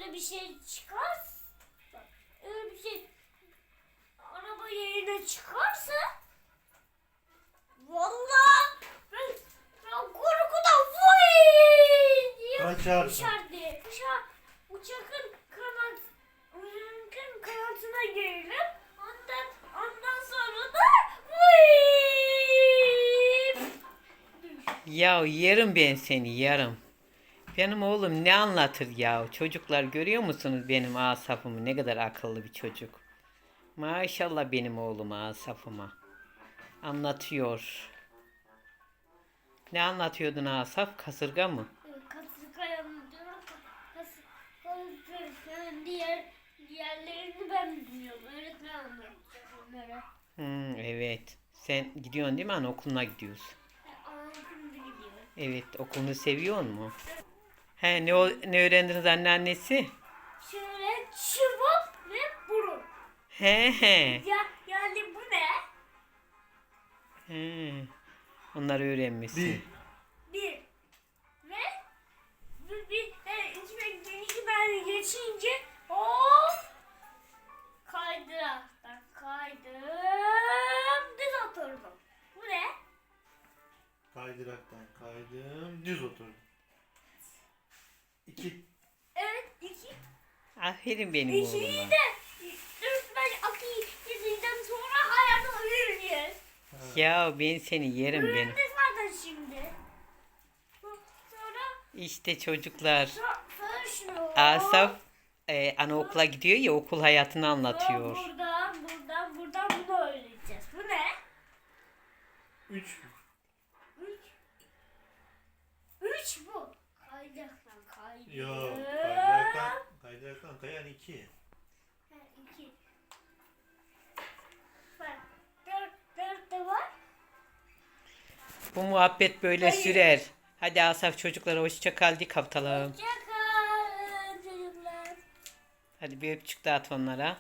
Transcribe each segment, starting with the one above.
öyle bir şey çıkar. Bak, öyle bir şey araba yerine çıkarsa vallahi ben korkudan vay diye Kaçarsın. uçardı. Uçakın kanatına girilir. Ondan sonra da vay. Ya yerim ben seni yarım. Benim oğlum ne anlatır ya? Çocuklar görüyor musunuz benim Asaf'ımı? Ne kadar akıllı bir çocuk. Maşallah benim oğlum Asaf'ıma. Anlatıyor. Ne anlatıyordun Asaf? Kasırga mı? Kasırgayı anlatıyorum. Kasırganın diğerlerini ben bilmiyorum. Öğretmen anlatacak onlara. Evet. Sen gidiyorsun değil mi? Anaokuluna gidiyorsun. Anlatımda gidiyor. Evet. Okulunu seviyor mu? He ne öğrendiniz anneannesi? Şöyle çubuk ve burun. He he. Yani bu ne? He. Onları öğrenmişsin. Bir. Ve içine ben geçince hop kaydıraktan kaydım düz oturdum. Bu ne? Kaydıraktan kaydım. Düz oturdum. 2. Evet iki. Aferin benim İkiyi oğluma. de öğretmen akıyla sonra hayata öğreniyoruz. Ya ben seni yerim benim. Öğrendi zaten şimdi. Sonra İşte çocuklar. sonra şunu. Asaf anaokula gidiyor ya okul hayatını anlatıyor. Buradan bunu öğreneceğiz. Bu ne? 3. Üç. Üç bu. Kaydıraktan kaydım. Yok. Kaydıraktan kayan 2. Ha, iki. Bak. Dört de var. Bu muhabbet böyle Hayır. sürer. Hadi Asaf çocuklara hoşça kal de kapatalım. Hoşçakalın çocuklar. Hadi bir öpücük dağıt onlara.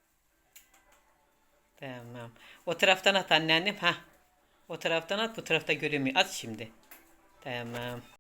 Tamam. O taraftan at anneannem. Ha. O taraftan at bu tarafta göremiyor. At şimdi. Tamam.